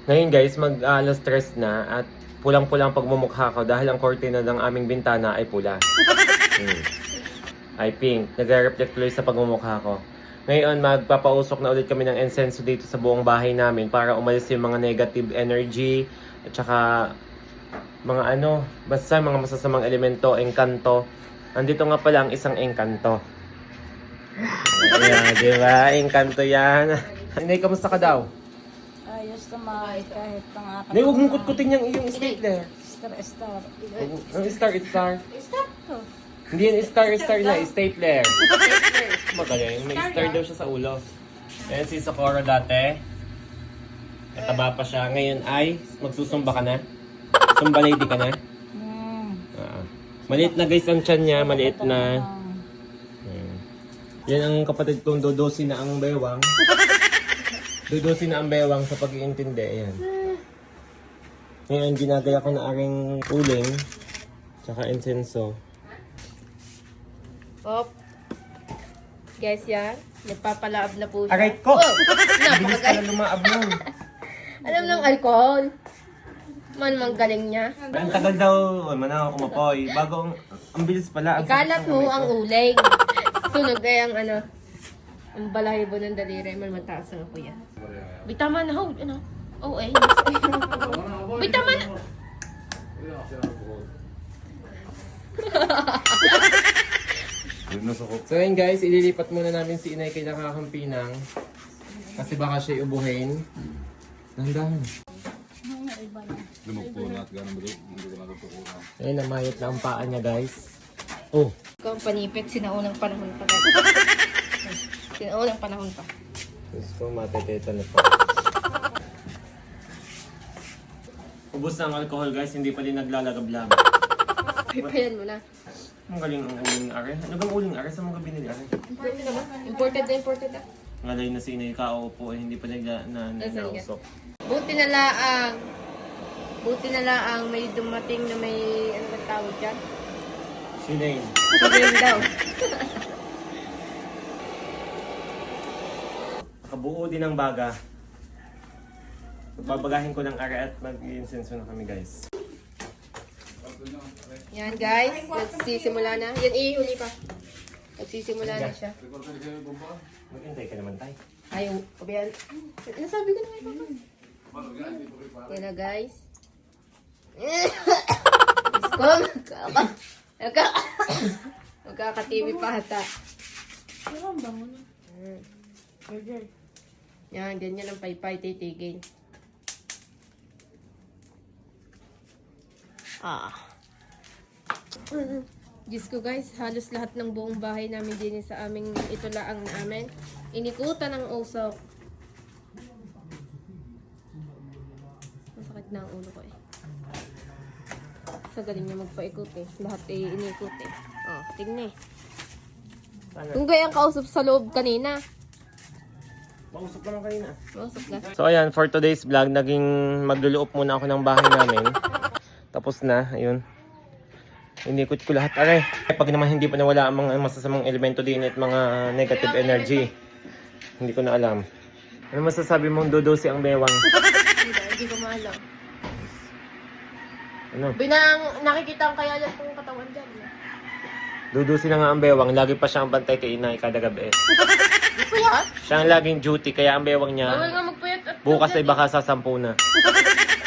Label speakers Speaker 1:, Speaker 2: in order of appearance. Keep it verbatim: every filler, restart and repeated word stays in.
Speaker 1: Ngayon guys, mag-alas stress na at pulang-pulang pagmumukha ko dahil ang kortina ng aming bintana ay pula. Hmm. Ay pink. Nagre-reflect tuloy sa pagmumukha ko. Ngayon, magpapausok na ulit kami ng incense dito sa buong bahay namin para umalis yung mga negative energy at saka mga ano, basta mga masasamang elemento, engkanto. Andito nga pala ang isang engkanto. Ayan, di ba? Engkanto yan. Hindi, kamusta ka daw?
Speaker 2: Ayos naman kahit pang
Speaker 1: Hindi, huwag mong kutkutin yung iyong stapler.
Speaker 2: Star, star.
Speaker 1: Ang star, star.
Speaker 2: Star to.
Speaker 1: Hindi yan star, star na, stapler. Magaling, may star daw siya sa ulo. Ayan si Socorro dati. Nataba pa siya. Ngayon ay, magsusumba ka na? Sumba lady ka na?
Speaker 2: Hmm.
Speaker 1: Ah. Maliit na guys ang tiyan niya, maliit na. Ayan. Yan ang kapatid kong dodosi na ang bewang. Dodosi na ang bewang sa pag-iintindi. Ayan. Ngayon, ginagaya ko na aking uling. Tsaka insenso.
Speaker 3: Op. Guys, yan. Nagpapalaab na po siya.
Speaker 1: Aray ko!
Speaker 3: Oh!
Speaker 1: Bilis ka na lumaab nun.
Speaker 3: Alam ng alcohol. Man, mang galing niya.
Speaker 1: Ang tagal daw, oh, manaw kumapoy. Bago, ang, ang bilis pala. Ang
Speaker 3: Ikalat
Speaker 1: sakit ng
Speaker 3: mo
Speaker 1: kamay ko.
Speaker 3: ang uling. Sunog na yung ano. Ang balahibo ng daliri. Man, mataas ang kuya. Bitaman na, hold. Ano? Oh, eh. Bitaman na.
Speaker 1: So yun guys, ililipat muna namin si Inay kay Nakakampinang. Kasi baka siya ubuhin. Dahan-dahan. Ayun, namayot na ang paa niya guys. Oh,
Speaker 3: Ikaw ang panipit. Sinaunang panahon pa. Sinaunang panahon pa.
Speaker 1: gusto ko mateteta na po. Ubus na ang alcohol guys, hindi pa din naglalagab-lagab.
Speaker 3: Pipayan mo na.
Speaker 1: Ang galing ang uling are. Ano bang uling are? Saan mo ka binili are?
Speaker 3: Imported na ba? Imported na, imported na.
Speaker 1: Ngalay na si Inay kaupo eh, hindi pa nagla na, na,
Speaker 3: Nasaan
Speaker 1: nausok.
Speaker 3: Buti na laang. Buti na laang may dumating na may, ano ba tawag dyan?
Speaker 1: Si Inay.
Speaker 3: Sugayin daw.
Speaker 1: Kabuo din ang baga. Babagahin ko ng are at mag-insenso na kami guys.
Speaker 3: Yan guys, nagsisimula na. Yan ihuli pa. Nagsisimula na siya.
Speaker 1: Maghintay ka naman tayo.
Speaker 3: Ayaw, kabayan. Nasabi ko na nga papa. Yan na guys. Gusto ko, magkaka... Magka... Magkaka-T V pa hata. Yan, ganyan ang paypay titigil. Ah. Diyos ko guys, halos lahat ng buong bahay namin din sa aming ito laang namin. Inikutan ng usok. Masakit na ang ulo ko eh. Sa galing niya magpaikot eh. Lahat eh inikot eh. Oh, tingnan eh. Kung gaya ang kausap sa loob kanina.
Speaker 1: Mausok naman kanina.
Speaker 3: Mausap na.
Speaker 1: So ayan, for today's vlog, naging magluluop muna ako ng bahay namin. Tapos na, ayun. Inikot ko lahat. Aray, pag naman hindi pa nawala ang mga masasamang elemento din at mga negative energy. Hindi ko na alam. Ano masasabi mong dodosi ang bewang?
Speaker 3: Hindi, hindi ko maalam.
Speaker 1: Ano?
Speaker 3: Binang nakikita ang kaya lang kung katawan dyan. eh.
Speaker 1: Dodosi na nga ang bewang. Lagi pa siyang bantay kay Inay kada gabi.
Speaker 3: Di ko yan.
Speaker 1: Siya ang laging duty, kaya ang bewang
Speaker 3: Bawal
Speaker 1: niya
Speaker 3: nga magpuyat at
Speaker 1: bukas ay baka sasampu na.